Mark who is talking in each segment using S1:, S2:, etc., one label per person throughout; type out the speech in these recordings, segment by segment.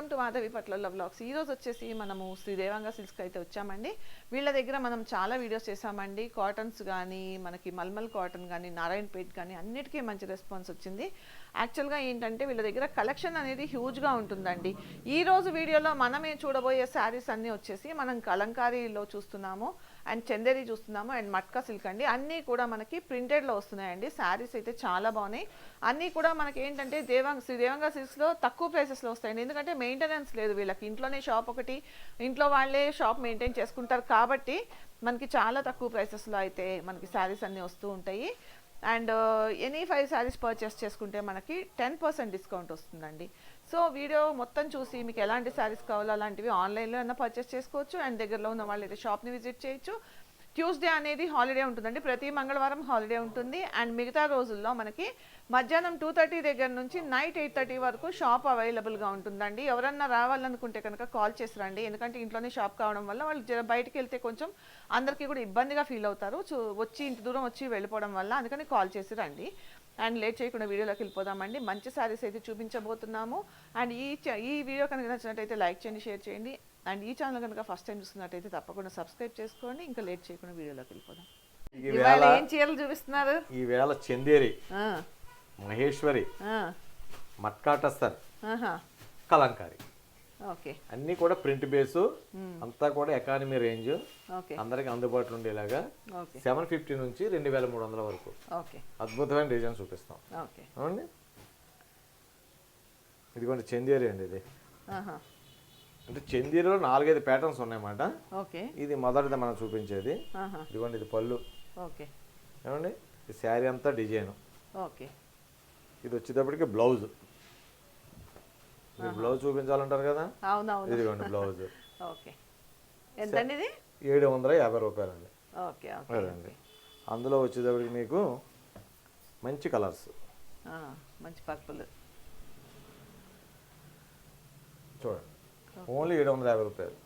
S1: Welcome to Madhavi పట్ల vlogs. ఈ రోజు వచ్చేసి మనము శ్రీ దేవాంగ సిల్క్స్కి అయితే వచ్చామండి. వీళ్ళ దగ్గర మనం చాలా వీడియోస్ చేసామండి. కాటన్స్ కానీ మనకి మల్మల్ కాటన్ కానీ నారాయణపేట్ కానీ అన్నిటికీ మంచి రెస్పాన్స్ వచ్చింది. యాక్చువల్గా ఏంటంటే వీళ్ళ దగ్గర కలెక్షన్ అనేది హ్యూజ్గా ఉంటుందండి. ఈ రోజు వీడియోలో మనమే చూడబోయే శారీస్ అన్నీ వచ్చేసి మనం కలంకారీలో చూస్తున్నాము, అండ్ చందేరి చూస్తున్నాము, అండ్ మట్కా సిల్క్ అండి. అన్నీ కూడా మనకి ప్రింటెడ్లో వస్తున్నాయండి. శారీస్ అయితే చాలా బాగున్నాయి. అన్నీ కూడా మనకి ఏంటంటే శ్రీ దేవాంగ సిల్క్స్లో తక్కువ ప్రైసెస్లో వస్తాయండి. ఎందుకంటే మెయింటెనెన్స్ లేదు వీళ్ళకి, ఇంట్లోనే షాప్ ఒకటి, ఇంట్లో వాళ్ళే షాప్ మెయింటైన్ చేసుకుంటారు కాబట్టి మనకి చాలా తక్కువ ప్రైసెస్లో అయితే మనకి శారీస్ అన్నీ వస్తూ ఉంటాయి. అండ్ ఎనీ 5 శారీస్ పర్చేస్ చేసుకుంటే మనకి 10% డిస్కౌంట్ వస్తుందండి. సో వీడియో మొత్తం చూసి మీకు ఎలాంటి శారీస్ కావాలో అలాంటివి ఆన్లైన్లో అయినా పర్చేస్ చేసుకోవచ్చు, అండ్ దగ్గరలో ఉన్న వాళ్ళు అయితే షాప్ని విజిట్ చేయొచ్చు. ట్యూస్డే అనేది హాలిడే ఉంటుందండి, ప్రతి మంగళవారం హాలిడే ఉంటుంది. అండ్ మిగతా రోజుల్లో మనకి మధ్యాహ్నం 2:30 దగ్గర నుంచి నైట్ 8:30 వరకు షాప్ అవైలబుల్గా ఉంటుందండి. ఎవరన్నా రావాలనుకుంటే కనుక కాల్ చేసి రండి, ఎందుకంటే ఇంట్లోనే షాప్ కావడం వల్ల వాళ్ళు బయటికి వెళ్తే కొంచెం అందరికీ కూడా ఇబ్బందిగా ఫీల్ అవుతారు, వచ్చి ఇంటి దూరం వచ్చి వెళ్ళిపోవడం వల్ల. అందుకని కాల్ చేసి రండి. అండ్ లేట్ చేయకుండా వీడియోలోకి వెళ్ళిపోదామండి. మంచి శారీస్ అయితే చూపించబోతున్నాము. అండ్ ఈ వీడియో కనుక నచ్చినట్టయితే లైక్ చేయండి, షేర్ చేయండి. అండ్ ఈ ఛానల్ కనుక ఫస్ట్ టైం చూస్తున్నట్టయితే తప్పకుండా సబ్స్క్రైబ్ చేసుకోండి. ఇంకా లేట్ చేయకుండా వీడియోలోకి వెళ్ళిపోదాం. ఇవాళ ఏం చీరలు చూపిస్తున్నారు?
S2: ఈవేళ చందేరి, మహేశ్వరి, మట్కాటస్తర్, కలంకారీ అన్ని కూడా ప్రింట్ బేసు, అంతా కూడా ఎకానమీ రేంజ్, అందరికి అందుబాటులో ఉండేలాగా 750 నుంచి 2300 వరకు అద్భుతమైన డిజైన్ చూపిస్తాం. అవునండి, ఇదిగోండి చందేరి అండి. ఇది అంటే చందేరిలో 4-5 ప్యాటర్న్స్ ఉన్నాయన్నమాట. ఇది మొదటిది మనం చూపించేది. ఇదిగోండి, ఇది పళ్ళు. ఏమండి, ఈ శారీ అంతా డిజైన్. ఇది వచ్చేటప్పటికి బ్లౌజ్. బ్లౌజ్ చూపించాలంటారు కదా, ఇదిగోండి బ్లౌజ్. 750 రూపాయలండి. అదండి, అందులో వచ్చేటప్పటికి మీకు మంచి కలర్స్,
S1: మంచి పర్పుల్
S2: చూడండి, ఓన్లీ 750 రూపాయలు.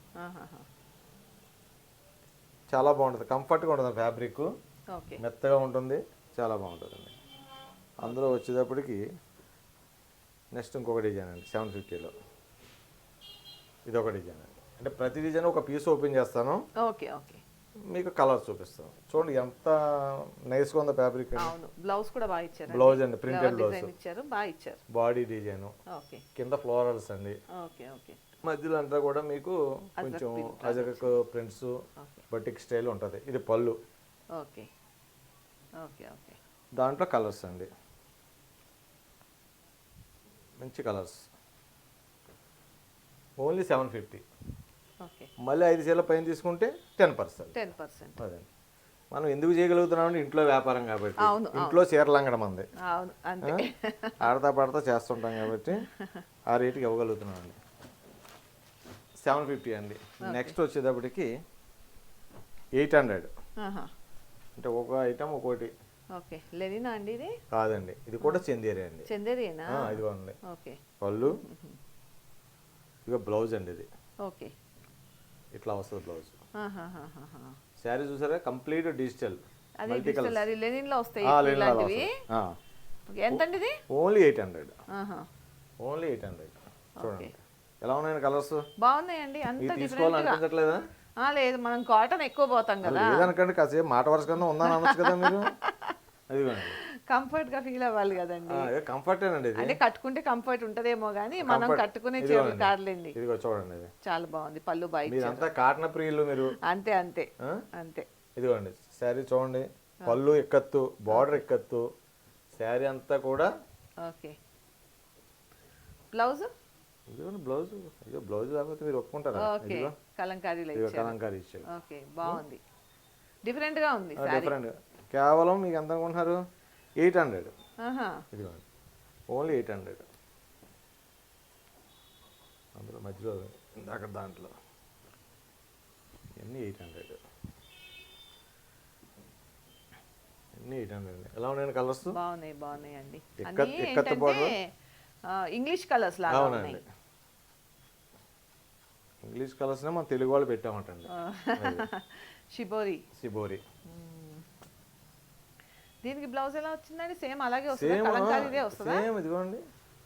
S2: చాలా బాగుంటుంది, కంఫర్ట్గా ఉంటుంది, ఫ్యాబ్రిక్ మెత్తగా ఉంటుంది, చాలా బాగుంటుందండి. అందులో వచ్చేటప్పటికి నెక్స్ట్ ఇంకొక డిజైన్ అండి 750లో. ఇది ఒక డిజైన్ అండి. అంటే ప్రతి డిజైన్ ఒక పీస్ ఓపెన్ చేస్తాను, మీకు కలర్ చూపిస్తాను. చూడండి ఎంత నైస్గా ఉందో ఫ్యాబ్రిక్.
S1: బ్లౌజ్ కూడా బాగా ఇచ్చారు.
S2: బ్లౌజ్ అండి, ప్రింటెడ్ బ్లౌజ్
S1: ఇచ్చారు, బాగా ఇచ్చారు.
S2: బాడీ డిజైన్, కింద ఫ్లోరల్స్ అండి. మధ్యలో అంతా కూడా మీకు కొంచెం అజరక్ ప్రింట్స్, బటిక్ స్టైల్ ఉంటుంది. ఇది పళ్ళు. దాంట్లో కలర్స్ అండి, మంచి కలర్స్. ఓన్లీ 750. మళ్ళీ 5 చీరల పైన తీసుకుంటే 10%. అదే మనం ఎందుకు చేయగలుగుతున్నామంటే ఇంట్లో వ్యాపారం కాబట్టి, ఇంట్లో చీరలు అంగడం అంది, ఆడతా పడతా చేస్తుంటాం కాబట్టి ఆ రేటుకి ఇవ్వగలుగుతున్నామండి. 750 అండి. నెక్స్ట్ వచ్చేటప్పటికి 800. అంటే ఒక ఐటమ్ ఒక్కోటి.
S1: లెనినా అండి ఇది?
S2: కాదండి, ఇది కూడా చందేరి అండి.
S1: చందేరినా?
S2: ఇదిగోండి పళ్ళు, ఇక బ్లౌజ్ అండి. ఇది ఇట్లా వస్తుంది బ్లౌజ్. శారీ చూసారా, కంప్లీట్ డిజిటల్ మల్టీ కలర్.
S1: ఎంతండి ఇది?
S2: ఓన్లీ 800. ఓన్లీ 800. చూడండి ఎలా ఉన్నాయండి కలర్స్.
S1: బాగున్నాయండి. అంత
S2: తీసుకోవాలనిపించట్లేదా?
S1: లేదు, మనం కాటన్ ఎక్కువ పోతాం కదా.
S2: లేదనకండి, కాసేపు మాట వరుస కింద ఉందని అనొచ్చు కదా మీరు. అదిగోండి,
S1: కంఫర్ట్ గా ఫీల్ అవ్వాలి కదండి.
S2: కంఫర్టేనండి.
S1: అంటే కట్టుకుంటే కంఫర్ట్ ఉంటదేమో గానీ మనం కట్టుకునే చీరలు కాదులేండి.
S2: ఇదిగో చూడండి, ఇది
S1: చాలా బాగుంది. పళ్ళు బాగా,
S2: అంతా కాటన్ ప్రియులు మీరు.
S1: అంతే అంతే అంతే.
S2: ఇదిగోండి శారీ చూడండి, పళ్ళు ఎక్కత్తు, బార్డర్ ఎక్కత్తు, శారీ అంతా కూడా.
S1: బ్లౌజ్,
S2: ఇదిగోండి బ్లౌజ్. ఇదిగో బ్లౌజ్ లేకపోతే మీరు ఒప్పుకుంటారా?
S1: కలంకారీ
S2: ఇచ్చారు.
S1: బాగుంది, డిఫరెంట్ గా ఉంది.
S2: డిఫరెంట్. కేవలం మీకు ఎంత అనుకుంటున్నారు? 800. ఇదిగోండి ఓన్లీ 800. అందులో మధ్యలో అక్కడ దాంట్లో ఇవన్నీ 800. అన్నీ 800. ఎలా ఉన్నాయండి కలర్స్?
S1: బాగున్నాయి అండి.
S2: ఇంగ్లీష్ కలర్స్ మనం తెలుగు వాళ్ళు పెట్టామంటండి. షిబోరి.
S1: దీనికి బ్లౌజ్ ఎలా వచ్చిందండి? సేమ్ అలాగే వస్తుంది, కలంకారీదే వస్తుందా?
S2: సేమ్ ఇదిగోండి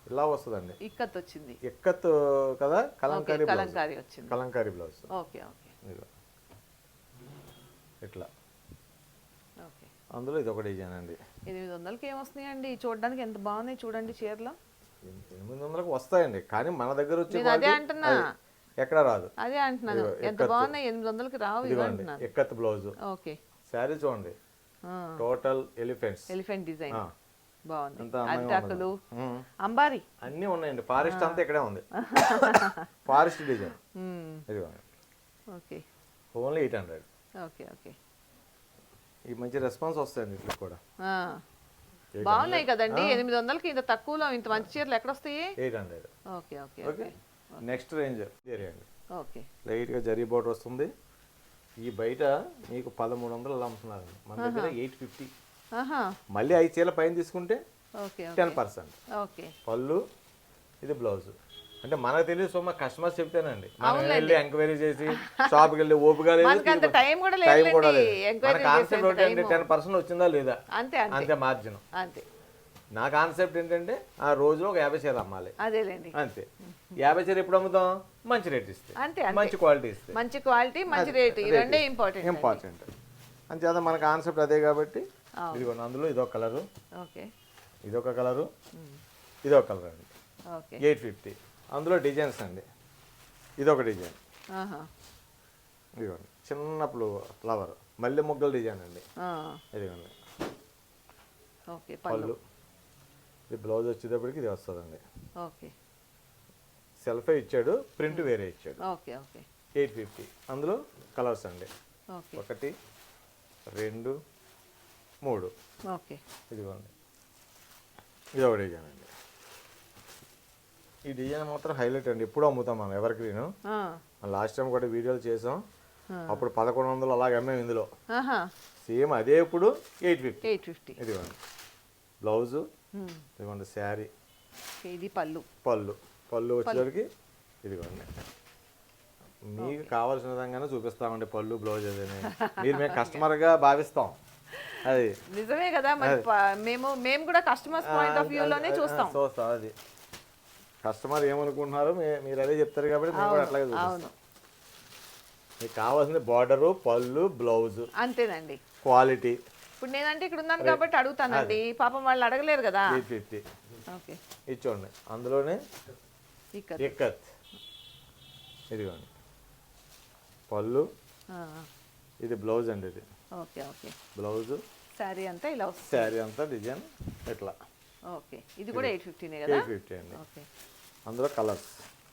S2: ఇలా వస్తుందండి.
S1: ఇక్కత్ వచ్చింది.
S2: ఇక్కత్ కదా, కలంకారీ బ్లౌజ్.
S1: కలంకారీ వచ్చింది.
S2: కలంకారీ బ్లౌజ్.
S1: Okay okay.
S2: ఇదిగో ఇట్లా.
S1: ఓకే.
S2: అందులో ఇది ఒక డిజైన్ అండి.
S1: 800కి ఏమొస్తున్నాయండి? చూడడానికి ఎంత బాగున్నాయి చూడండి చీరలు.
S2: 800కి వస్తాయండి, కానీ మన దగ్గర వచ్చే
S1: నేను అదే అంటున్నా,
S2: ఎక్కడ రాదు.
S1: అదే అంటున్నాను, ఎంత బాగున్నాయి. 800కి రావు ఇవి అంటున్నాను.
S2: ఇక్కత్ బ్లౌజ్.
S1: ఓకే.
S2: శారీ చూడండి, టోటల్ ఎలిఫెంట్స్,
S1: ఎలిఫెంట్ డిజైన్ బాగుంది.
S2: అంతా
S1: అరిటాకులు, అంబారి
S2: అన్నీ ఉన్నాయండి. ఫారెస్ట్ అంతా ఇక్కడే ఉంది. Forest design. ఇదిగోండి.
S1: ఓకే.
S2: ఓన్లీ 800.
S1: Okay okay.
S2: ఈ మంచి రెస్పాన్స్ వస్తాయండి ఇట్లా కూడా.
S1: బాగున్నాయి కదండి. 800కి ఇంత తక్కువలో ఇంత మంచి చీరలు ఎక్కడ వస్తాయి?
S2: 800.
S1: Okay okay
S2: okay. Next range zari అండి.
S1: ఓకే.
S2: లైట్గా జరీ బోర్డర్ వస్తుంది. ఈ బయట మీకు 1300 అలా అమ్ముతున్నారండి, మన దగ్గర 850. మళ్ళీ 5 చీరల పైన తీసుకుంటే 10%.
S1: ఓకే.
S2: పళ్ళు, ఇది బ్లౌజ్. అంటే మనకు తెలియదు సో మా కస్టమర్స్ చెప్తేనండి, మనం వెళ్ళి ఎంక్వైరీ చేసి షాప్కి వెళ్ళి ఓపిక లేదు,
S1: టైం కూడా లేదు.
S2: మన కాన్సెప్ట్ ఏంటంటే 10% వచ్చిందా లేదా
S1: అంతే
S2: అంతే మార్జిన్.
S1: అంతే.
S2: నా కాన్సెప్ట్ ఏంటంటే ఆ రోజులో ఒక 50 చీరలు అమ్మాలి,
S1: అదేలేండి.
S2: అంతే. 50 చీర ఎప్పుడు అమ్ముతాం? మంచి రేట్ ఇస్తే,
S1: అంతే.
S2: మంచి క్వాలిటీ ఇస్తే.
S1: మంచి క్వాలిటీ, మంచి రేట్, ఈ రెండే ఇంపార్టెంట్.
S2: అంతేదా మన కాన్సెప్ట్ అదే కాబట్టి. ఇదిగోండి, అందులో ఇదొక కలరు,
S1: ఓకే,
S2: ఇదొక కలరు, ఇదొక కలర్ అండి.
S1: ఓకే.
S2: 850. అందులో డిజైన్స్ అండి. ఇదొక డిజైన్, ఇదిగోండి చిన్న ఫ్లవర్ మల్లె మొగ్గల డిజైన్ అండి. ఇదిగోండి
S1: ఓకే.
S2: పళ్ళు, ఇది బ్లౌజ్ వచ్చేటప్పటికి ఇది వస్తుందండి.
S1: ఓకే.
S2: సెల్ఫే ఇచ్చాడు, ప్రింట్ వేరే ఇచ్చాడు.
S1: Okay okay.
S2: 850. అందులో కలర్స్ అండి.
S1: ఓకే.
S2: 1 2 3.
S1: ఓకే.
S2: ఇదిగోండి, ఇది ఒక డిజైన్ అండి. ఈ డిజైన్ మాత్రం హైలైట్ అండి. ఎప్పుడు అమ్ముతాం మనం ఎవర్ గ్రీన్. లాస్ట్ టైం కూడా వీడియోలు చేసాం, అప్పుడు 1100 అలాగే అమ్మాం. ఇందులో సేమ్ అదే ఇప్పుడు 850. ఇదిగోండి బ్లౌజు, ఇదిగోండి శారీ,
S1: ఇది పళ్ళు.
S2: పళ్ళు వచ్చేసరికి ఇదిగోండి. మీకు కావాల్సిన విధంగానే చూపిస్తామండి పళ్ళు బ్లౌజ్ అదని. మీరు మేము కస్టమర్గా భావిస్తాం. అది
S1: నిజమే కదా, మేము కూడా కస్టమర్స్ పాయింట్ ఆఫ్ వ్యూలోనే చూస్తాం.
S2: అది కస్టమర్ ఏమనుకుంటున్నారో మీరు అదే చెప్తారు కాబట్టి మేము కూడా అట్లాగే చూస్తాం. మీకు కావాల్సింది బార్డరు, పళ్ళు, బ్లౌజ్,
S1: అంతేనండి.
S2: క్వాలిటీ.
S1: ఇప్పుడు నేనంటే ఇక్కడ ఉన్నాను కాబట్టి అడుగుతానండి, పాపం వాళ్ళు అడగలేరు కదా.
S2: 850.
S1: ఓకే.
S2: ఇచ్చోండి, అందులోనే ఇక్కత్. ఇదిగోండి పళ్ళు, ఇది బ్లౌజ్ అండి. ఇది
S1: ఓకే ఓకే.
S2: బ్లౌజ్,
S1: శారీ అంతా ఇలా వస్తుంది.
S2: శారీ అంతా డిజైన్ ఇట్లా.
S1: ఓకే. ఇది కూడా 850 కదా?
S2: 850 అండి.
S1: ఓకే.
S2: అందులో కలర్స్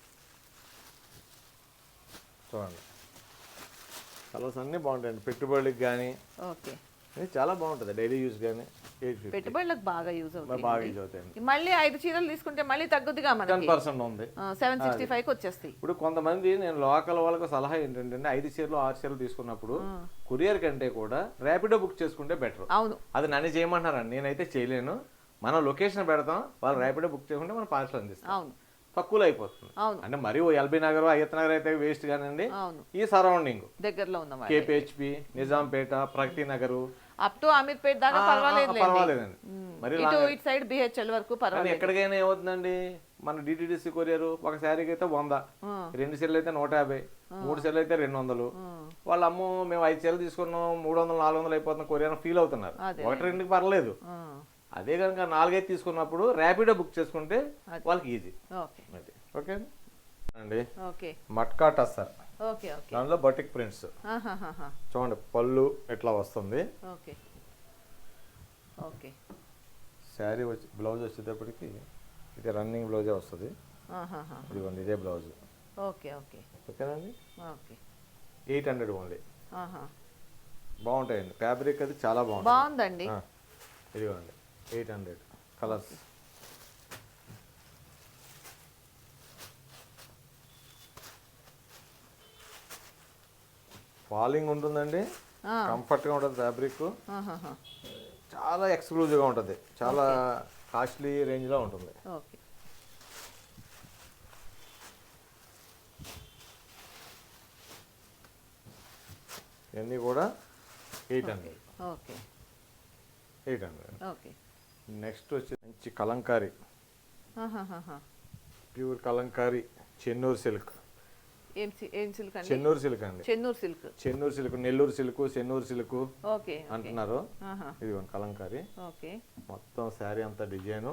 S2: చూడండి, కలర్స్ అన్నీ బాగుంటాయండి. పెట్టుబడికి కానీ
S1: ఓకే,
S2: ఇది చాలా బాగుంటుంది. డైలీ యూస్ కానీ 850.
S1: పెట్టుబడులకు బాగా యూజ్ అవుతుంది.
S2: బాగా యూజ్ అవుతాయండి.
S1: మళ్ళీ 5 చీరలు తీసుకుంటే మళ్ళీ తగ్గుద్దిగా, మనకి
S2: 10% ఉంది.
S1: 765కి వచ్చేస్తాయి.
S2: ఇప్పుడు కొంతమంది, నేను లోకల్ వాళ్ళకు సలహా ఏంటంటే 5 చీరలు 6 చీరలు తీసుకున్నప్పుడు కొరియర్ కంటే కూడా ర్యాపిడో బుక్ చేసుకుంటే బెటర్.
S1: అవును,
S2: అది నన్ను చేయమంటారండి, నేనైతే చేయలేను. మనం లొకేషన్ పెడతాం, వాళ్ళు ర్యాపిడో బుక్ చేసుకుంటే మనం పార్సల్ అందిస్తాం.
S1: అవును,
S2: తక్కువలో అయిపోతుంది. అంటే మరి ఎల్బీ నగర్, అయ్యత్ నగర్ అయితే వేస్ట్ కానండి. ఈ సరౌండింగ్
S1: దగ్గరలో ఉన్న
S2: KPHB, Nizampet, Pragathi Nagar,
S1: up to Ameerpet దాకా
S2: పర్వాలేదండి. మరి
S1: ఇటు సైడ్ బిహెచ్ఎల్ వరకు పర్వాలేదు.
S2: ఎక్కడికైనా ఏమవుతుందండి, మన డిటిడిసి కొరియర్ ఒక శారీకి అయితే 100, 2 చీరలు అయితే 150, 3 చీరలు అయితే 200. వాళ్ళు అమ్మో మేము 5 చీరలు తీసుకున్నాం 300, 400 అయిపోతున్న కొరియర్ ఫీల్ అవుతున్నారు. 1-2కి పర్లేదు. అదే కనుక 4-5 తీసుకున్నప్పుడు ర్యాపిడో బుక్ చేసుకుంటే వాళ్ళకి ఈజీ. ఓకే అండి. మట్కా టస్సర్, దానిలో బటిక్ ప్రింట్స్ చూడండి. పళ్ళు ఎట్లా వస్తుంది, శారీ వచ్చి బ్లౌజ్ వచ్చేటప్పటికి ఇది రన్నింగ్ బ్లౌజే వస్తుంది. ఇదిగోండి ఇదే బ్లౌజ్. ఓకేనండి. 800 ఓన్లీ. బాగుంటాయండి, ఫ్యాబ్రిక్ అది చాలా
S1: బాగుందండి.
S2: ఇదిగోండి 800. కలర్స్ ఫాలింగ్ ఉంటుందండి, కంఫర్ట్గా ఉంటుంది. ఫ్యాబ్రిక్ చాలా ఎక్స్క్లూజివ్గా ఉంటుంది, చాలా కాస్ట్లీ రేంజ్లో ఉంటుంది. ఇవన్నీ కూడా 800. 800. నెక్స్ట్ వచ్చి మంచి కలంకారీ
S1: ఆహాహాహా.
S2: Pure Kalamkari Chennur silk.
S1: ఏం సిల్క్ అండి?
S2: చెన్నూరు సిల్క్ అండి.
S1: Chennur silk.
S2: Chennur silk, Nellore silk, Chennur silk
S1: okay
S2: అంటున్నారు.
S1: ఆహా.
S2: ఇదిగోండి కలంకారీ.
S1: ఓకే.
S2: మొత్తం శారీ అంతా డిజైను.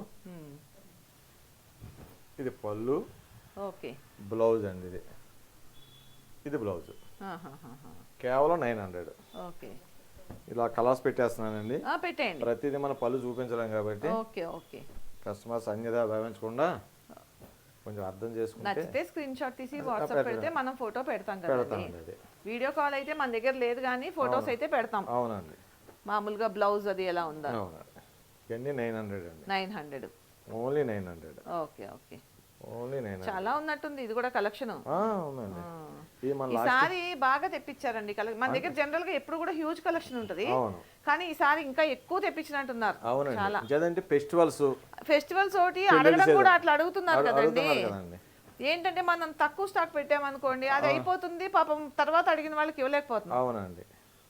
S2: ఇది పళ్ళు.
S1: ఓకే.
S2: బ్లౌజ్ అండి ఇది. ఇది బ్లౌజ్.
S1: ఆహాహాహా.
S2: కేవలం 900.
S1: ఓకే.
S2: ఇలా కలర్స్ పెట్టేస్తున్నానండి.
S1: పెట్టేయండి.
S2: ప్రతిదీ మన పళ్ళు చూపించలేం కాబట్టి
S1: ఓకే ఓకే.
S2: కస్టమర్స్ అన్యదా భావించకుండా కొంచెం అర్థం చేసుకుంటే
S1: నచ్చితే స్క్రీన్ షాట్ తీసి వాట్సాప్ పెడితే మనం ఫోటో పెడతాం కదండి.
S2: పెడతామండి అది.
S1: వీడియో కాల్ అయితే మన దగ్గర లేదు కానీ ఫొటోస్ అయితే పెడతాం.
S2: అవునండి.
S1: మామూలుగా బ్లౌజ్ అది ఎలా ఉందా?
S2: అవునండి. ఇవన్నీ 900 అండి.
S1: 900.
S2: ఓన్లీ 900.
S1: Okay okay.
S2: ఓన్లీ 900.
S1: చాలా ఉన్నట్టుంది ఇది కూడా కలెక్షన్.
S2: అవునండి. ఇది మన
S1: ఈసారి బాగా తెప్పించారండి మన దగ్గర జనరల్ గా ఎప్పుడు కూడా హ్యూజ్ కలెక్షన్ ఉంటది. కానీ ఈసారి ఇంకా ఎక్కువ తెప్పించినట్టున్నారు. చాలా.
S2: అవునండి. ఫెస్టివల్స్
S1: ఒకటి అడగడం కూడా అట్లా అడుగుతున్నారు కదండి. ఏంటంటే మనం తక్కువ స్టాక్ పెట్టామనుకోండి అది అయిపోతుంది, పాపం తర్వాత అడిగిన వాళ్ళకి ఇవ్వలేకపోతున్నాం.
S2: అవునండి.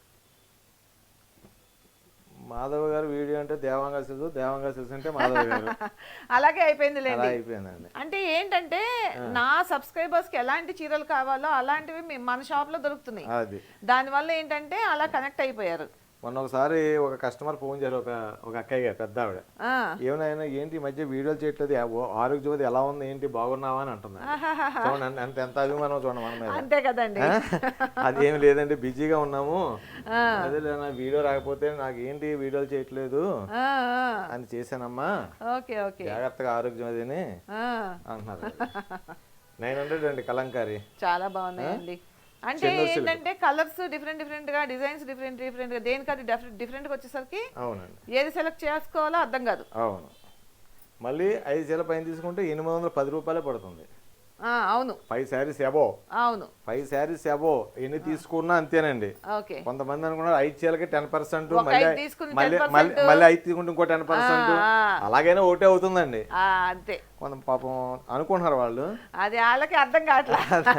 S2: మాధవ్ గారు వీడియో అంటే దేవాంగా సిల్స్ అంటే మాధవ్ గారు.
S1: అలాగే అయిపోయింది
S2: అయిపోయిందండి.
S1: అంటే ఏంటంటే నా సబ్స్క్రైబర్స్ కి ఎలాంటి చీరలు కావాలో అలాంటివి మన షాప్ లో దొరుకుతున్నాయి. దానివల్ల ఏంటంటే అలా కనెక్ట్ అయిపోయారు.
S2: మొన్న ఒకసారి ఒక కస్టమర్ ఫోన్ చేశారు, ఒక అక్కయ్య గారు, పెద్ద ఆవిడ. ఏమైనా ఏంటి ఈ మధ్య వీడియోలు చేయట్లేదు, ఆరోగ్యవతి ఎలా ఉంది, ఏంటి బాగున్నావా అని అంటుంది. చూడండి ఎంత అభిమానం చూడండి మన మీద.
S1: అంతే కదండి.
S2: అదేమి లేదండి, బిజీగా ఉన్నాము, అదే నా వీడియో రాకపోతే నాకు ఏంటి వీడియోలు చేయట్లేదు అని చేశానమ్మా, జాగ్రత్తగా ఆరోగ్యవతిని అంటున్నారు. 900 అండి కలంకారీ.
S1: చాలా బాగున్నాయండి. అంటే ఏంటంటే కలర్స్ డిఫరెంట్ గా, డిజైన్స్ డిఫరెంట్ గా, దేనికది డిఫరెంట్ గా వచ్చేసరికి ఏది సెలెక్ట్ చేసుకోవాలో అర్థం కాదు.
S2: అవును. మళ్ళీ 5 చీరల పైన తీసుకుంటే 810 రూపాయలే పడుతుంది.
S1: అవును.
S2: 5 శారీస్ అబో.
S1: అవును.
S2: 5 శారీస్ అబో ఎన్ని తీసుకున్నా అంతేనండి. కొంతమంది అనుకున్నారు 5 చీరలకి 10%, మళ్ళీ 5 తీసుకుంటే ఇంకో 10%, అలాగైనా ఒకటే అవుతుందండి.
S1: అంతే.
S2: కొంత పాపం అనుకుంటున్నారు వాళ్ళు,
S1: అది వాళ్ళకి అర్థం కావట్లేదు.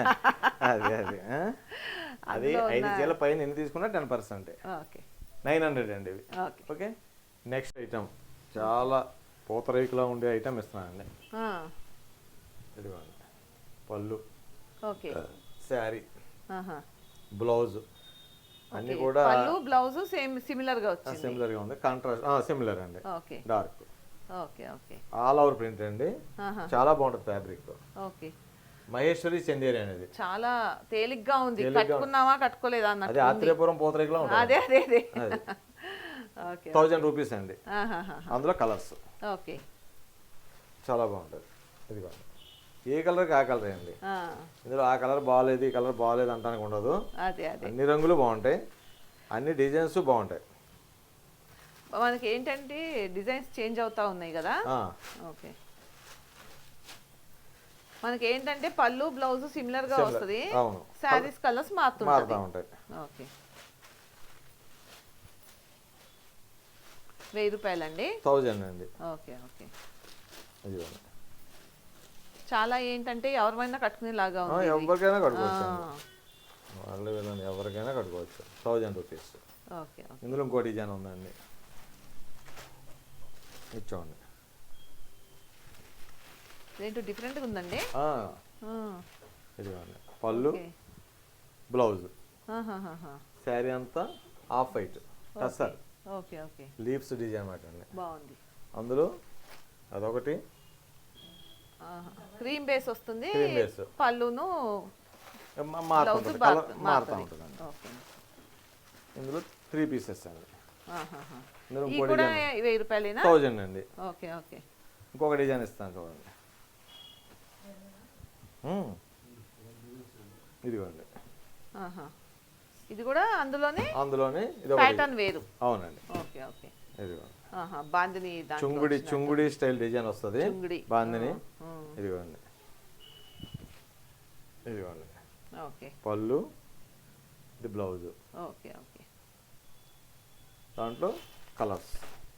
S2: అది 5 చీరల పైన ఎన్ని తీసుకున్నా 10%. 900 అండి ఇవి. ఓకే. నెక్స్ట్ ఐటమ్ చాలా పూతరేకులా ఉండే ఐటమ్ ఇస్తున్నానండి. ఇదిగోండి పళ్ళు, శారీ, బ్లౌజ్ అన్ని కూడా
S1: బ్లౌజ్ సిమిలర్ గా వచ్చింది.
S2: సిమిలర్ గా ఉంది. కాంట్రాస్ట్ సిమిలర్ అండి. Dark.
S1: Okay okay.
S2: All over print అండి. చాలా బాగుంటుంది ఫ్యాబ్రిక్.
S1: ఓకే.
S2: మహేశ్వరి చందేరి అనేది
S1: చాలా తేలిగ్గా ఉంది. కట్టుకున్నావా కట్టుకోలేదా అన్నట్టు.
S2: అది ఆత్రేయపురం పూతరేకులా ఉంటుంది.
S1: అదే అదే అదే.
S2: ఓకే. 1000 రూపీస్ అండి. అందులో కలర్స్.
S1: ఓకే.
S2: చాలా బాగుంటుంది. ఇదిగోండి ఏ కలర్కి ఆ కలర్ అండి. ఇందులో ఆ కలర్ బాగాలేదు, ఈ కలర్ బాగాలేదు అంటానికి ఉండదు. అన్ని రంగులు బాగుంటాయి, అన్ని డిజైన్స్ బాగుంటాయి.
S1: మనకి ఏంటంటే డిజైన్స్ చేంజ్ అవుతా ఉన్నాయి కదా. ఓకే. మనకి ఏంటంటే పళ్ళు బ్లౌజ్ సిమిలర్ గా వస్తుంది. శారీస్ కలర్స్ మారుతూ ఉంటాయి. ఓకే. 1000 రూపాయలండి.
S2: 1000 అండి.
S1: Okay okay. చాలా ఏంటంటే ఎవరైనా కట్టుకునేలాగా ఉంది.
S2: ఎవరికైనా కట్టుకోవచ్చు, వాళ్ళు ఎవరికైనా కట్టుకోవచ్చు. 1000 రూపీస్.
S1: ఓకే.
S2: ఇందులో ఇంకో డిజైన్ ఉందండి, ఇచ్చోండి.
S1: ఏంటో డిఫరెంట్గా ఉందండి.
S2: ఇదిగోండి పళ్ళు, బ్లౌజ్, శారీ అంతా off white tussar.
S1: Okay okay.
S2: Leaves design మాట అండి.
S1: బాగుంది.
S2: అందులో అదొకటి
S1: క్రీమ్ బేస్ వస్తుంది.
S2: Cream base.
S1: పళ్ళును
S2: మారుతూ ఉంటుంది. ఇందులో 3 పీసెస్ అండి. ఇందులో ఇంకో డిజైన్
S1: 1000 రూపాయలేనా?
S2: 1000 అండి.
S1: Okay okay.
S2: ఇంకొక డిజైన్ ఇస్తాను చూడండి. ఇదిగోండి.
S1: ఇది కూడా అందులోనే
S2: ఇది
S1: ప్యాటర్న్ వేరు.
S2: అవునండి.
S1: Okay okay.
S2: ఇదిగోండి
S1: బాందిని
S2: చుంగుడి స్టైల్ డిజైన్ వస్తుంది. బాందిని. ఇదిగోండి
S1: ఓకే.
S2: పళ్ళు, ఇది బ్లౌజ్.
S1: Okay okay.
S2: దాంట్లో కలర్స్.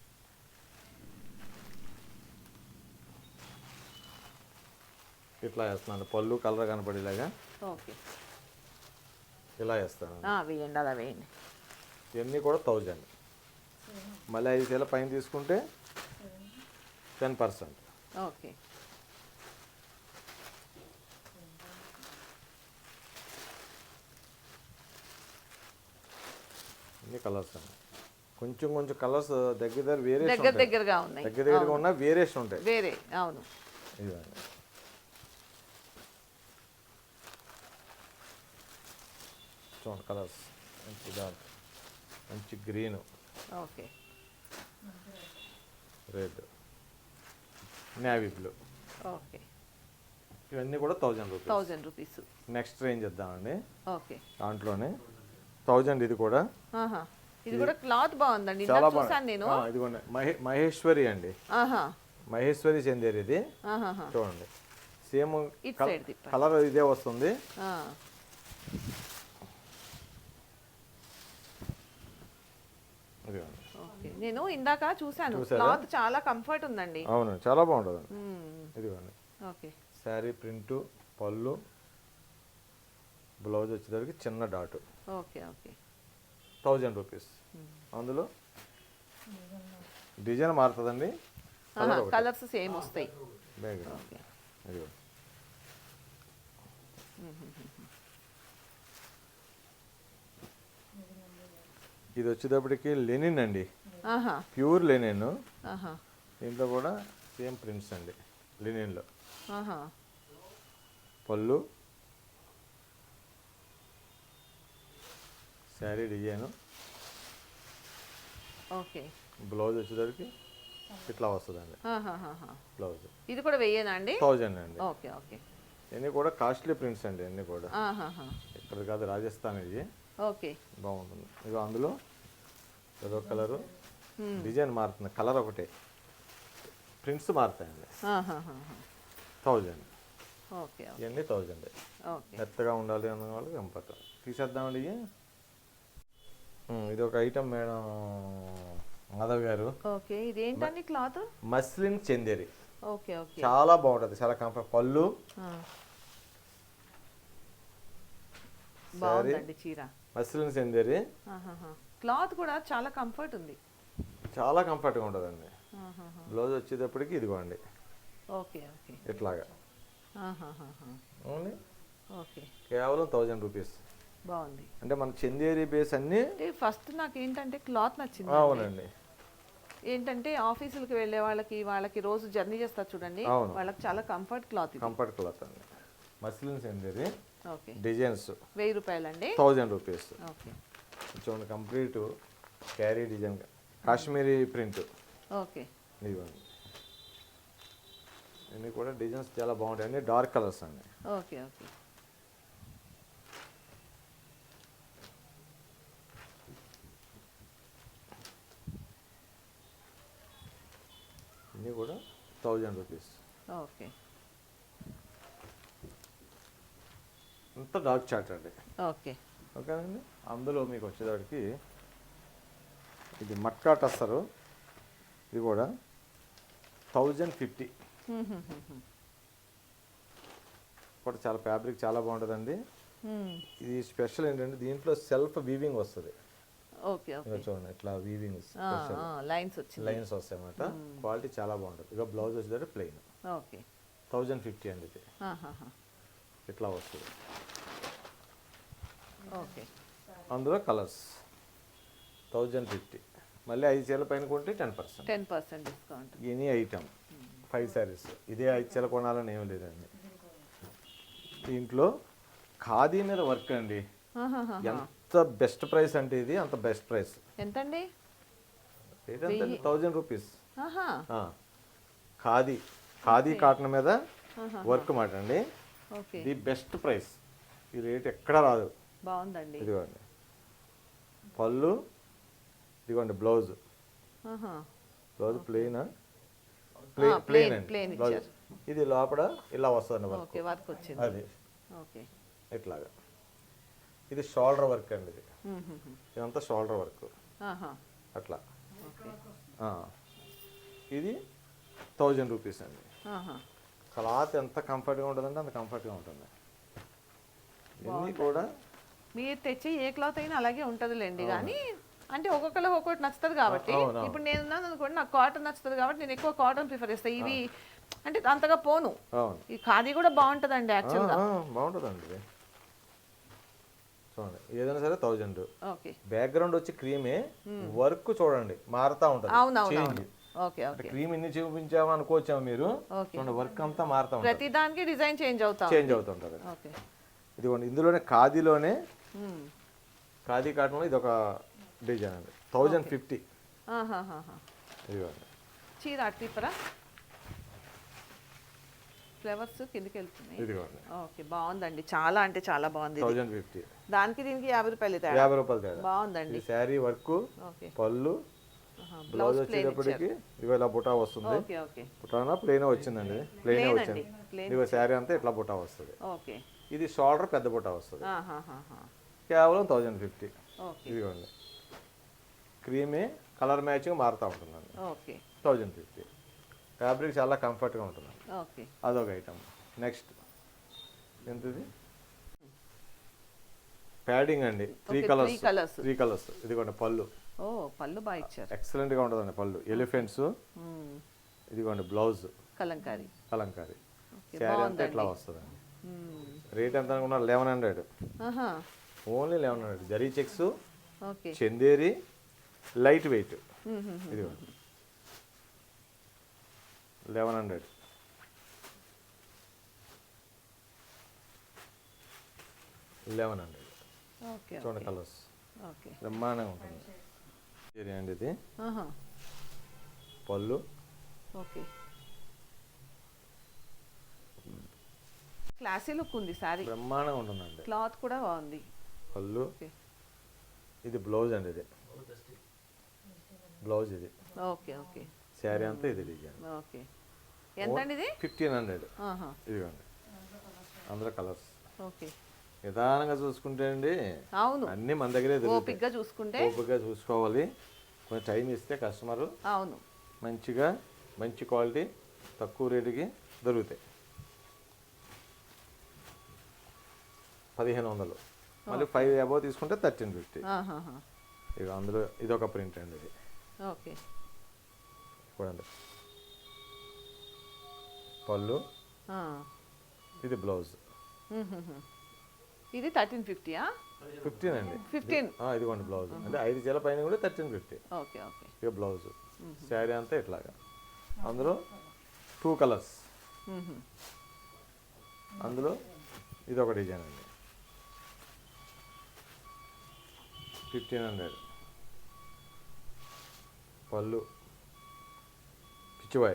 S2: ఇట్లా వేస్తున్నాను, పళ్ళు కలర్ కనపడేలాగా.
S1: ఓకే.
S2: ఇలా వేస్తాను.
S1: వేయండి, అలా వేయండి.
S2: ఇవన్నీ కూడా 1000. మళ్ళీ 5 చీరల పైన తీసుకుంటే 10%.
S1: ఓకే.
S2: ఇన్ని కలర్స్ అండి. కొంచెం కొంచెం కలర్స్ దగ్గర వేరియేషన్
S1: దగ్గర దగ్గరగా ఉన్నాయి,
S2: దగ్గరగా ఉన్న వేరియేషన్ ఉంటాయి.
S1: వేరే అవును.
S2: ఇదండి చూడండి కలర్స్, మంచి డార్క్, మంచి green,
S1: okay,
S2: red, navy blue,
S1: okay.
S2: ఇవన్నీ కూడా 1000 రూపీస్.
S1: 1000 రూపీస్.
S2: నెక్స్ట్ రేంజ్ ఇద్దామండి
S1: ఓకే.
S2: దాంట్లోనే 1000. ఇది కూడా
S1: ఆహా, ఇది కూడా క్లాత్ బాగుందండి,
S2: చాలా
S1: చూసాను నేను.
S2: ఇదిగోండి మహేశ్వరి అండి,
S1: ఆహా,
S2: మహేశ్వరి చందేరి ఇది.
S1: ఆహాహా.
S2: చూడండి సేమ్
S1: ఇటు సైడ్ తిప్పండి.
S2: కలర్ ఇదే వస్తుంది.
S1: ఆ,
S2: ఇదిగోండి.
S1: ఓకే. నేను ఇందాక చూసాను,
S2: చూసారా?
S1: క్లాత్ చాలా కంఫర్ట్ ఉందండి.
S2: అవును చాలా బాగుంటుంది.
S1: మ్మ్.
S2: ఇదిగోండి
S1: ఓకే,
S2: శారీ ప్రింటు, పళ్ళు, బ్లౌజ్ వచ్చేసరికి చిన్న డాట్.
S1: Okay, okay.
S2: 1000 రూపీస్. అందులో డిజైన్ మారుతుందండి,
S1: కలర్స్ సేమ్ వస్తాయి.
S2: Background
S1: okay.
S2: ఇదిగో ఇది వచ్చేటప్పటికి లెనిన్ అండి,
S1: ఆహా,
S2: ప్యూర్ లెనిన్.
S1: ఆహా,
S2: దీంట్లో కూడా సేమ్ ప్రింట్స్ అండి లెనిన్లో.
S1: ఆహా.
S2: పళ్ళు, శారీ డిజైను,
S1: ఓకే.
S2: బ్లౌజ్ వచ్చేసరికి ఇట్లా వస్తుందండి
S1: ఆహాహాహా.
S2: బ్లౌజ్.
S1: ఇది కూడా వెయ్యేనా అండి?
S2: 1000 అండి.
S1: Okay, okay.
S2: ఇవన్నీ కూడా కాస్ట్లీ ప్రింట్స్ అండి, అన్నీ కూడా
S1: ఆహాహా.
S2: ఇక్కడ కాదు రాజస్థాన్. ఇది
S1: ఓకే.
S2: బాగుంటుంది. ఇక అందులో ఏదో కలరు డిజైన్ మారుతుంది, కలర్ ఒకటే, ప్రింట్స్ మారుతాయండి.
S1: ఆహాహాహా.
S2: 1000.
S1: Okay, okay.
S2: ఇవన్నీ 1000.
S1: ఓకే.
S2: మెత్తగా ఉండాలి అన్న వాళ్ళకి కంఫర్ట్. తీసేద్దామండి ఇవి. ఇది ఒక item madam Madhav garu.
S1: Okay, ఇదేంటండి cloth?
S2: Muslin Chanderi.
S1: Okay, okay.
S2: చాలా బాగుంటుంది, చాలా కంఫర్ట్. పళ్ళు,
S1: బాగుందండి చీర.
S2: మస్లిన్ చందేరి.
S1: ఆహాహా. క్లాత్ కూడా చాలా కంఫర్ట్ ఉంది.
S2: చాలా కంఫర్ట్గా ఉంటుందండి.
S1: ఆహాహా.
S2: బ్లౌజ్ వచ్చేటప్పటికి ఇదిగోండి
S1: ఓకే, ఓకే.
S2: ఇట్లాగా.
S1: ఆహాహాహా.
S2: ఓన్లీ
S1: ఓకే,
S2: కేవలం 1000 రూపీస్.
S1: బాగుంది.
S2: అంటే మన చందేరి బేస్ అన్ని.
S1: అంటే ఫస్ట్ నాకు ఏంటంటే క్లాత్ నచ్చింది.
S2: అవునండి.
S1: ఏంటంటే ఆఫీసులకు వెళ్ళే వాళ్ళకి రోజు జర్నీ చేస్తారు చూడండి,
S2: అవును.
S1: వాళ్ళకి చాలా కంఫర్ట్ క్లాత్ ఇది.
S2: కంఫర్ట్ క్లాత్ అండి, మస్లిన్ చందేరి.
S1: ఓకే.
S2: డిజైన్స్
S1: 1000 రూపాయలండి.
S2: 1000 రూపీస్.
S1: ఓకే,
S2: చూడండి complete carry design, Kashmiri print.
S1: Okay.
S2: ఇదిగోండి ఇవన్నీ కూడా డిజైన్స్ చాలా బాగుంటాయి, అన్ని డార్క్ కలర్స్ అండి.
S1: Okay, okay.
S2: ఇవన్నీ కూడా 1000 రూపీస్.
S1: ఓకే,
S2: అంత డార్క్ చార్ట్ అండి.
S1: ఓకే.
S2: ఓకేనండి. అందులో మీకు వచ్చేదానికి ఇది మట్కా టస్సరు, ఇది కూడా 1050. కూడా చాలా ఫ్యాబ్రిక్ చాలా బాగుంటుందండి. ఇది స్పెషల్ ఏంటంటే దీంట్లో సెల్ఫ్ వీవింగ్ వస్తుంది.
S1: Okay, okay.
S2: చూడండి ఇట్లా వీవింగ్
S1: లైన్స్ వచ్చింది,
S2: లైన్స్ వస్తాయి అన్నమాట. క్వాలిటీ చాలా బాగుంటుంది. ఇక బ్లౌజ్ వచ్చేది ప్లెయిన్.
S1: ఓకే.
S2: 1050 అండి ఇది.
S1: ఆహాహా.
S2: ఇట్లా వస్తుంది.
S1: ఓకే.
S2: అందులో కలర్స్ 1050. మళ్ళీ 5 చీరల పైన కొంటే 10%.
S1: 10% డిస్కౌంట్.
S2: Any item 5 saris. ఇదే 5 చీరలు కొనాలని ఏం లేదండి. దీంట్లో ఖాదీ మీద వర్క్ అండి.
S1: ఆహాహా.
S2: ఎంత బెస్ట్ ప్రైస్ అంటే ఇది అంత బెస్ట్ ప్రైస్.
S1: ఎంతండి?
S2: రేట్ ఎంత? 1000 రూపీస్.
S1: ఆహా.
S2: ఖాదీ కాటన్ మీద వర్క్ మాట అండి.
S1: ఓకే.
S2: The best price. ఈ రేట్ ఎక్కడ రాదు.
S1: బాగుందండి.
S2: ఇదిగోండి పళ్ళు, ఇదిగోండి బ్లౌజ్.
S1: ఆహా.
S2: బ్లౌజ్ ప్లెయిన్
S1: ప్లెయిన్
S2: అండి
S1: ప్లెయిన్
S2: బ్లౌజ్.
S1: ఇచ్చారు.
S2: ఇది లోపల ఇలా వస్తుంది వర్క్.
S1: ఓకే, వర్క్ వచ్చింది.
S2: అది
S1: ఓకే.
S2: ఇట్లాగా. ఇది షోల్డర్ వర్క్ అండి. ఇది ఇదంతా షోల్డర్ వర్క్
S1: ఆహా.
S2: అట్లా.
S1: ఓకే.
S2: ఇది 1000 రూపీస్ అండి.
S1: ఆహా.
S2: క్లాత్ ఎంత కంఫర్ట్గా ఉంటుందంటే అంత కంఫర్ట్గా ఉంటుంది. ఇవన్నీ కూడా
S1: మీరు తెచ్చే ఏ క్లాత్ అయినా అలాగే ఉంటుందిలేండి, కానీ అంటే ఒక్కొక్కరు ఒక్కొక్కటి నచ్చుతుంది కాబట్టి.
S2: అవును.
S1: ఇప్పుడు నేను ఉన్నాను అనుకోండి, నాకు కాటన్ నచ్చుతుంది కాబట్టి నేను ఎక్కువ కాటన్ ప్రిఫర్ చేస్తాను. ఇవి అంటే అంతగా పోను.
S2: అవును.
S1: ఈ ఖాదీ కూడా బాగుంటుందండి యాక్చువల్గా.
S2: బాగుంటుందండి ఇది. చూడండి ఏదైనా సరే 1000.
S1: ఓకే
S2: బ్యాక్గ్రౌండ్ వచ్చి క్రీమే, వర్క్ చూడండి మారుతా ఉంటుంది.
S1: అవునవును ఓకే
S2: అంటే క్రీమ్ ఇన్ని చూపించామా అనుకోవచ్చాము మీరు, చూడండి వర్క్ అంతా మారుతా ఉంటుంది,
S1: ప్రతి దానికి డిజైన్ చేంజ్
S2: అవుతుంటుంది. ఇదిగోండి ఇందులోనే ఖాదీలోనే ఖాదీ కాటన్లో ఇది ఒక డిజైన్ అండి. 1050. ఇదిగోండి
S1: చీర అట్టిపరా ఫ్లవర్స్ కిందకి వెళ్తున్నాయి.
S2: ఇదిగోండి
S1: ఓకే బాగుందండి, చాలా అంటే చాలా బాగుంది.
S2: 1050.
S1: దానికి దీనికి 50 రూపాయలు
S2: 50 రూపాయలు తేడా.
S1: బాగుందండి.
S2: శారీ వర్క్, పళ్ళు, బ్లౌజ్ వచ్చేటప్పటికి ఇదిగో ఇలా బుటా వస్తుంది. బుటానా ప్లెయిన్ వచ్చిందండి, ప్లెయిన్ వచ్చింది. ఇదిగో శారీ అంతా ఇట్లా బుటా వస్తుంది. ఇది షోల్డర్ పెద్ద బుటా వస్తుంది. కేవలం 1050. ఇదిగోండి క్రీమే, కలర్ మ్యాచింగ్ మారుతూ ఉంటుందండి. 1050. ఫ్యాబ్రిక్ చాలా కంఫర్ట్గా ఉంటుంది. అదొక ఐటమ్. నెక్స్ట్ ఎంతది ప్యాడింగ్ అండి, 3 కలర్స్. ఇదిగోండి పళ్ళు,
S1: పళ్ళు బాగా ఇచ్చారు,
S2: ఎక్సలెంట్ గా ఉంటుందండి పళ్ళు. ఎలిఫెంట్స్. ఇదిగోండి బ్లౌజ్
S1: కలంకారీ.
S2: శారీ అంతా ఇట్లా వస్తుందండి. రేట్ ఎంత అనుకున్నారు? 1100. Only 1100. Zari checks, Chanderi, light weight. ఇదిగోండి 1100. చూడండి కలర్స్ బ్రహ్మాండంగా ఉంటుంది. చీర అండి ఇది. పళ్ళు
S1: క్లాసీ లుక్ ఉంది, సారీ
S2: బ్రహ్మాండంగా ఉంటుందండి.
S1: క్లాత్ కూడా బాగుంది.
S2: పళ్ళు, ఇది బ్లౌజ్ అండి. ఇది బ్లౌజ్. ఇది శారీ అంతా ఇది డిజైన్.
S1: ఎంత అండి ఇది?
S2: 1500. ఇదిగోండి అందులో కలర్స్. నిదానంగా చూసుకుంటే అండి
S1: అవును
S2: అన్ని మన దగ్గరే
S1: ఓపికగా
S2: చూసుకోవాలి. కొంచెం టైం ఇస్తే కస్టమర్
S1: అవును
S2: మంచిగా మంచి క్వాలిటీ తక్కువ రేటుకి దొరుకుతాయి. 1500. మళ్ళీ 5 అబౌవ్ తీసుకుంటే 1350. ఇక అందులో ఇదొక ప్రింట్ అండి. ఇది చూడండి పళ్ళు, ఇది బ్లౌజ్.
S1: ఇది 1350.
S2: 15 అండి. 15. ఇదిగోండి బ్లౌజ్. అంటే 5 చీల పైన కూడా 1350. ఇక బ్లౌజ్. శారీ అంతా ఇట్లాగా. అందులో 2 కలర్స్. అందులో ఇది ఒక డిజైన్ అండి. 1500. పళ్ళు పిచ్చివాయ్.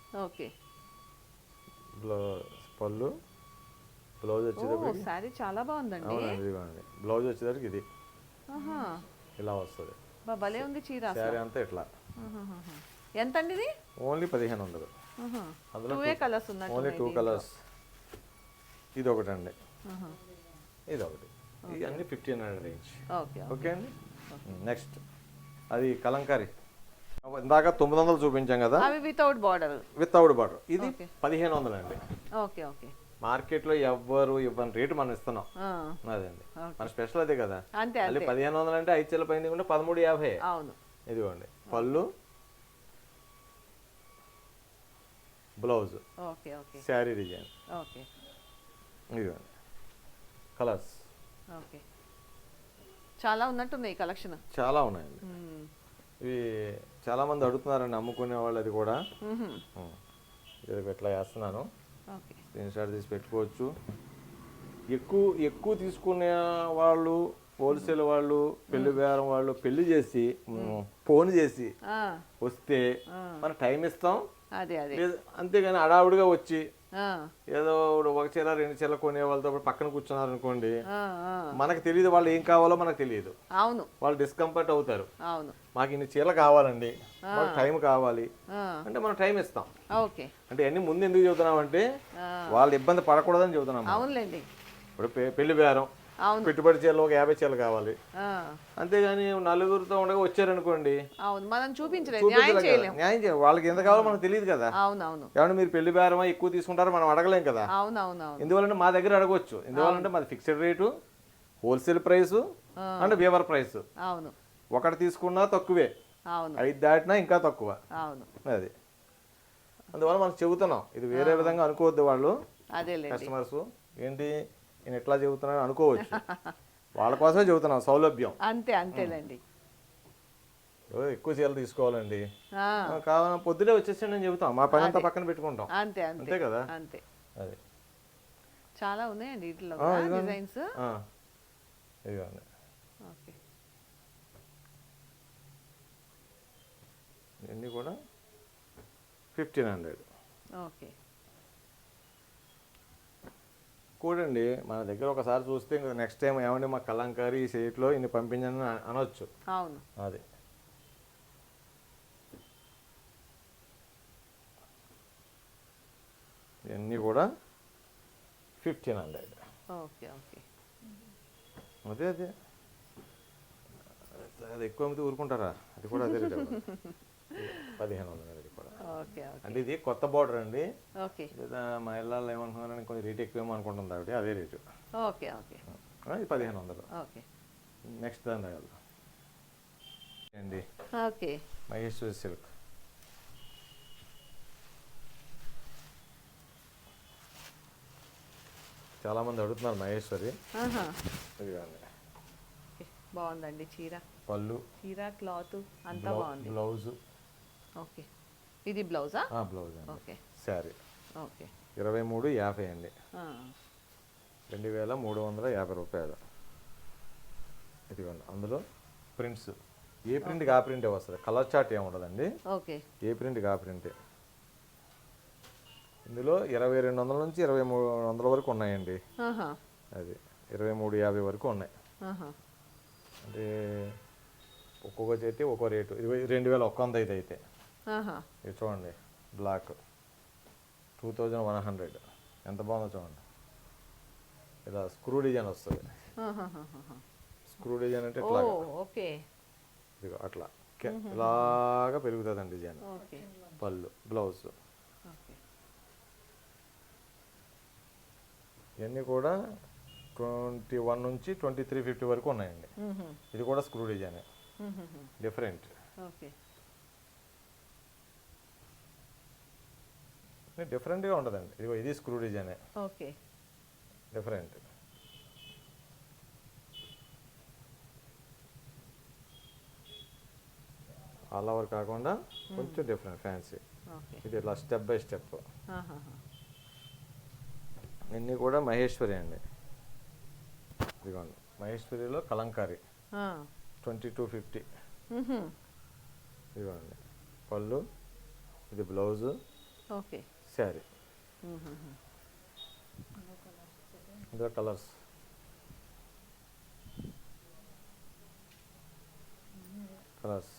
S2: పళ్ళు, బ్లౌజ్ వచ్చేటప్పటికి
S1: సారీ చాలా బాగుందండి.
S2: అవునండి ఇదిగోండి బ్లౌజ్ వచ్చేటప్పటికి ఇది ఇలా వస్తుంది.
S1: భలే ఉంది చీర.
S2: శారీ అంతా ఇట్లా.
S1: ఎంత అండి ఇది?
S2: ఓన్లీ 1500. అందులో ఓన్లీ 2 కలర్స్. ఇది ఒకటి అండి, ఇది ఒకటి. ఇది అన్ని 1500 రేంజ్. ఓకే అండి. నెక్స్ట్ అది కలంకారీ. ఇందాక 900 చూపించాం కదా,
S1: వితౌట్ బార్డర్.
S2: ఇది 1500 అండి. మార్కెట్లో ఎవ్వరు ఇవ్వని రేటు మనం ఇస్తున్నాం. అదండి మన స్పెషల్ అదే కదా. మళ్ళీ 1500 అంటే 5 చీల పైన కూడా 1350. ఇదిగోండి పళ్ళు, బ్లౌజ్, శారీ డిజైన్. ఇదిగోండి కలర్స్.
S1: చాలా ఉన్నట్టున్నాయి కలెక్షన్.
S2: చాలా ఉన్నాయండి. ఇవి చాలా మంది అడుగుతున్నారండి అమ్ముకునే వాళ్ళు. అది కూడా ఇట్లా వేస్తున్నాను, స్క్రీన్ షాట్ తీసి పెట్టుకోవచ్చు. ఎక్కువ తీసుకునే వాళ్ళు, హోల్సేల్ వాళ్ళు, పెళ్లి బేరం వాళ్ళు పెళ్లి చేసి ఫోన్ చేసి వస్తే మనం టైం ఇస్తాం. అంతేగాని అడావుడిగా వచ్చి ఏదో 1 చీర 2 చీరలు కొనే వాళ్ళతో పక్కన కూర్చున్నారు అనుకోండి, మనకు తెలియదు వాళ్ళు ఏం కావాలో మనకు తెలియదు. వాళ్ళు డిస్కంఫర్ట్ అవుతారు. మాకు ఇన్ని చీరలు కావాలండి, మాకు టైం కావాలి అంటే మనం టైం ఇస్తాం. అంటే అన్ని ముందు ఎందుకు చెబుతున్నాం అంటే వాళ్ళు ఇబ్బంది పడకూడదని చెబుతున్నాం. ఇప్పుడు పెళ్లి బేరం పెట్టుబడి చీరలు ఒక 50 చీరలు కావాలి, అంతేగాని నలుగురితో ఉండగా వచ్చారనుకోండి న్యాయం చేయాలి. వాళ్ళకి ఎంత కావాలో మనకు తెలియదు కదా. ఏమన్నా మీరు పెళ్లి బేరమా ఎక్కువ తీసుకుంటారో మనం అడగలేం కదా. ఎందువల్లంటే మా దగ్గర అడగవచ్చు. ఎందువల్లంటే మాది fixed rate, wholesale price and weaver price. ఒకటి తీసుకున్నా తక్కువే, 5 దాటినా ఇంకా తక్కువ. అది అందువల్ల మనం చెబుతున్నాం. ఇది వేరే విధంగా అనుకోవద్దు వాళ్ళు కస్టమర్స్. ఏంటి నేను ఎట్లా చెబుతున్నాను అనుకోవచ్చు. వాళ్ళ కోసమే చెబుతున్నాం, సౌలభ్యం.
S1: అంతే అంతేలేండి.
S2: ఎక్కువ చీరలు తీసుకోవాలండి,
S1: ఆ,
S2: కావాలని పొద్దునే వచ్చేసి నేను చెబుతాం, మా పని అంతా పక్కన పెట్టుకుంటాం.
S1: అంతే అంతే
S2: అంతే కదా.
S1: అంతే.
S2: అది
S1: చాలా ఉన్నాయండి వీటిలో
S2: ఇదిగోండి.
S1: డిజైన్స్.
S2: ఇదిగోండి,
S1: ఓకే.
S2: ఇవన్నీ కూడా 1500.
S1: ఓకే.
S2: కూడండి మన దగ్గర ఒకసారి చూస్తే ఇంకా నెక్స్ట్ టైం ఏమండి మా కలంకారీ ఈ సైట్లో ఇన్ని పంపించని అనొచ్చు.
S1: అవును.
S2: అది ఇవన్నీ కూడా 1500.
S1: Okay okay.
S2: అదే అదే అది ఎక్కువ అమ్మితే ఊరుకుంటారా, అది కూడా అదే రేట్ 1500. అది కూడా
S1: ఓకే ఓకే.
S2: అంటే ఇది కొత్త బార్డర్ అండి.
S1: ఓకే
S2: లేదా మా ఇళ్ళల్లో ఏమనుకున్నారని కొంచెం రేట్ ఎక్కువేమో అనుకుంటుంది ఆవిడ, అదే రేటు.
S1: ఓకే ఓకే
S2: ఇది 1500.
S1: ఓకే.
S2: నెక్స్ట్ దాని రాయాలి అండి,
S1: ఓకే.
S2: మహేశ్వరి సిల్క్. చాలామంది అడుగుతున్నారు మహేశ్వరి.
S1: ఆహా.
S2: ఇదిగోండి
S1: ఓకే. బాగుందండి చీర.
S2: పళ్ళు,
S1: చీర క్లాత్ అంతా బాగుంది.
S2: బ్లౌజు.
S1: ఓకే. ఇది బ్లౌజా?
S2: బ్లౌజ్ అండి.
S1: ఓకే.
S2: Sari
S1: okay.
S2: 2350 అండి,
S1: ఆ,
S2: 2350 రూపాయలు. ఇదిగోండి అందులో ప్రింట్స్, ఏ ప్రింట్కి ఆ ప్రింటే వస్తుంది, కలర్ చార్ట్ ఏమి ఉండదండి.
S1: ఓకే.
S2: ఏ ప్రింట్కి ఆ ప్రింటే. ఇందులో 2200 నుంచి 2300 వరకు ఉన్నాయండి.
S1: ఆహా.
S2: అది 2350 వరకు ఉన్నాయి.
S1: ఆహా.
S2: అంటే ఒక్కొక్క చేతి ఒక్కో రేటు. 2100 ఇది అయితే.
S1: ఆహా.
S2: ఇది చూడండి, బ్లాక్ 2100, ఎంత బాగుందో చూడండి. ఇలా స్క్రూ డిజైన్ వస్తుంది.
S1: ఆహాహాహా.
S2: స్క్రూ డిజైన్ అంటే
S1: ఓ
S2: ఇట్లా,
S1: ఓకే.
S2: ఇదిగో అట్లా ఇలాగా పెరుగుతుందండి డిజైన్.
S1: ఓకే.
S2: పళ్ళు, బ్లౌజ్.
S1: ఓకే.
S2: ఇవన్నీ కూడా 21 నుంచి 2350 వరకు ఉన్నాయండి. ఇది కూడా స్క్రూ డిజైన్, డిఫరెంట్.
S1: ఓకే.
S2: డిఫరెంట్గా ఉంటుందండి. ఇదిగో ఇది స్క్రూ డిజైనే,
S1: ఓకే.
S2: డిఫరెంట్. ఆల్ ఓవర్ కాకుండా కొంచెం డిఫరెంట్, ఫ్యాన్సీ.
S1: ఓకే.
S2: ఇది ఇట్లా స్టెప్ బై స్టెప్.
S1: ఆహాహా.
S2: ఇవన్నీ కూడా మహేశ్వరి అండి. ఇదిగోండి మహేశ్వరిలో కలంకారీ
S1: ఆ.
S2: 2250.
S1: మ్హూ.
S2: ఇదిగోండి పళ్ళు, ఇది బ్లౌజు,
S1: ఓకే.
S2: శారీ.
S1: మ్హూ.
S2: ఇందులో కలర్స్ కలర్స్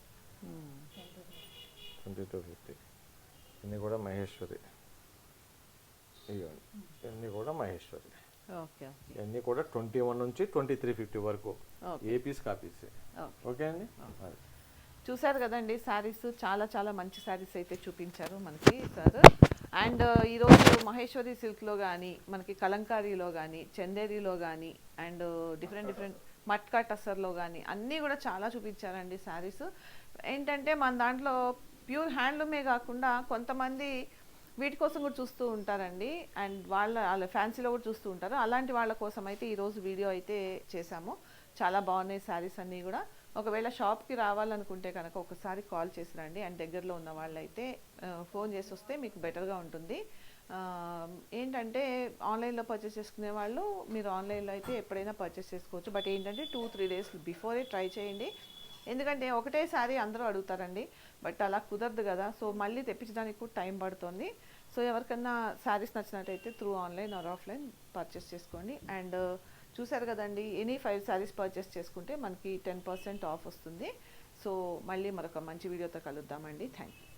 S2: 2250. ఇవన్నీ కూడా మహేశ్వరి. ఇవ్వండి ఇవన్నీ కూడా మహేశ్వరి.
S1: Okay okay.
S2: ఇవన్నీ కూడా 21 నుంచి 2350 వరకు,
S1: ఓకే.
S2: ఏ పీస్ కాపీస్.
S1: ఓకే.
S2: ఓకే అండి. అది
S1: చూసారు కదండి శారీస్, చాలా చాలా మంచి శారీస్ అయితే చూపించారు మనకి సార్. అండ్ ఈరోజు మహేశ్వరి సిల్క్లో కానీ, మనకి కలంకారీలో కానీ, చందేరిలో కానీ, అండ్ డిఫరెంట్ డిఫరెంట్ మట్కా టస్సర్లో కానీ అన్నీ కూడా చాలా చూపించారండి శారీస్. ఏంటంటే మన దాంట్లో ప్యూర్ హ్యాండ్లూమే కాకుండా కొంతమంది వీటి కోసం కూడా చూస్తూ ఉంటారండి, అండ్ వాళ్ళ ఫ్యాన్సీలో కూడా చూస్తూ ఉంటారు. అలాంటి వాళ్ళ కోసం అయితే ఈరోజు వీడియో అయితే చేశాము. చాలా బాగున్నాయి శారీస్ అన్నీ కూడా. ఒకవేళ షాప్కి రావాలనుకుంటే కనుక ఒకసారి కాల్ చేసి రండి, అండ్ దగ్గరలో ఉన్న వాళ్ళైతే ఫోన్ చేసి వస్తే మీకు బెటర్గా ఉంటుంది. ఏంటంటే ఆన్లైన్లో పర్చేస్ చేసుకునే వాళ్ళు మీరు ఆన్లైన్లో అయితే ఎప్పుడైనా పర్చేస్ చేసుకోవచ్చు. బట్ ఏంటంటే 2-3 డేస్ బిఫోరే ట్రై చేయండి, ఎందుకంటే ఒకటే శారీ అందరూ అడుగుతారండి. బట్ అలా కుదరదు కదా, సో మళ్ళీ తెప్పించడానికి కూడా టైం పడుతుంది. సో ఎవరికన్నా శారీస్ నచ్చినట్టయితే through online or offline purchase చేసుకోండి. అండ్ చూసారు కదండి, ఎనీ 5 శారీస్ పర్చేస్ చేసుకుంటే మనకి 10% ఆఫ్ వస్తుంది. సో మళ్ళీ మరొక మంచి వీడియోతో కలుద్దామండి. Thank you.